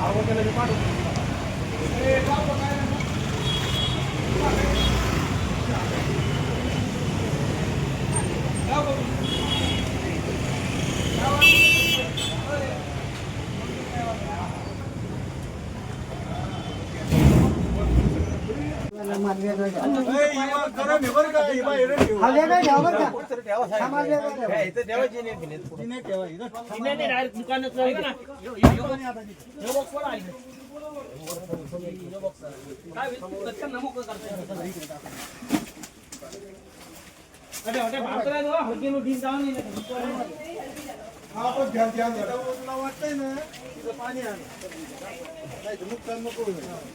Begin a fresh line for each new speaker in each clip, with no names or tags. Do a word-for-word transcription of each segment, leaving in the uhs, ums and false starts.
वाटतंय ना पाणी आहे नुकसान नको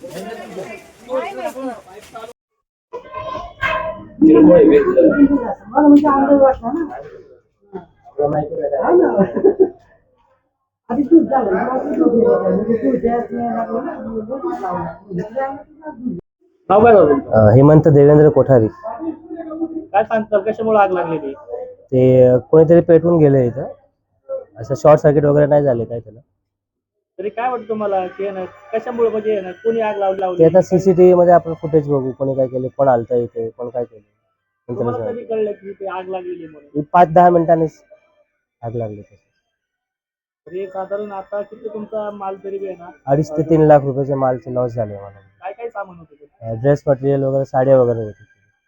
हेमंत देवेंद्र कोठारी.
काय सांगतात कशामुळे आग लागली ती?
ते कोणीतरी पेटवून गेले इथं, असं शॉर्ट सर्किट वगैरे नाही झाले काय त्याला.
तरी काय वाटतं तुम्हाला की ना कशामुळे म्हणजे ना कोणी आग लावली लावली
ते आता सीसीटीव्ही मध्ये आपण फुटेज बघू, कोणी काय केले, कोण आलता इथे, कोण काय केलं.
तुम्हाला कधी कळलं की ते आग लागलेली म्हणून?
पाच दहा मिनिटांनीच आग लागली.
तरी साधारण आता किती तुमचा माल तरी आहे ना?
अडीच ते तीन लाख रुपयाचे मालचे लॉस झाले मला.
काय काय सामान होतं?
ड्रेस मटेरियल वगैरे, साड्या वगैरे होते.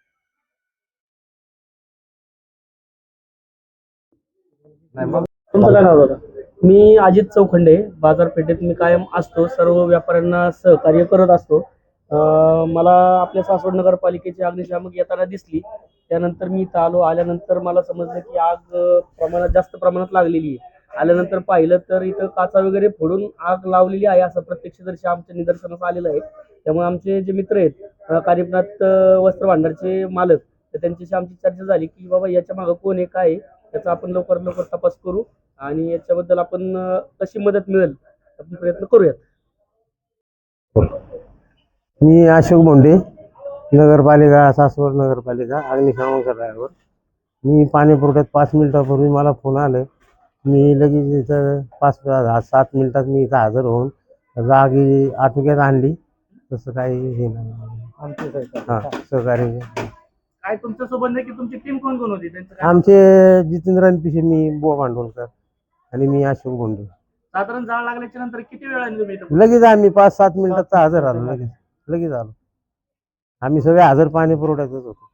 तुमचं काय नाव होतं? मी अजित चौखंडे. बाजारपेठेत मी कायम असतो, सर्व व्यापाऱ्यांना सहकार्य करत असतो. मला आपल्या सासवड नगरपालिकेची अग्निशामक येताना दिसली, त्यानंतर मी इथं आलो. आल्यानंतर मला समजलं की आग प्रमाणात जास्त प्रमाणात लागलेली आहे. आल्यानंतर पाहिलं तर इथं काचा वगैरे फोडून आग लावलेली आहे असं प्रत्यक्षदर्शी आमच्या निदर्शनास आलेलं आहे. त्यामुळे आमचे जे मित्र आहेत, कारिपनाथ वस्त्र भांडारचे मालक, तर त्यांच्याशी आमची चर्चा झाली की बाबा याच्या मागं कोण आहे, काय आहे, याचा आपण लवकरात लवकर तपास करू आणि याच्याबद्दल आपण कशी मदत मिळेल आपण प्रयत्न करूयात.
मी अशोक बोंडे, नगरपालिका, सासवड नगरपालिका, अग्निशामक ड्रायव्हर. मी पाणी पुरवठ्यात पाच मिनिटापूर्वी मला फोन आलं. मी लगेच इथं पाच सात मिनिटात मी इथं हजर होऊन जागी आटोक्यात आणली. तसं काही हे नाही, हां सहकार्य.
काय तुमच्या सोबत नाही की तुमची टीम कोण कोण होती?
आमचे जितेंद्र पिशे, मी बुवा भांडवलकर आणि मी अशोक बोंडे.
साधारण जाळ लागल्याच्या नंतर किती वेळाने तुम्ही
लगेच आम्ही पाच सात मिनिटात हजर आलो. लगेच लगेच आलो. आम्ही सगळे हजर पाणी पुरवठ्यातच होतो.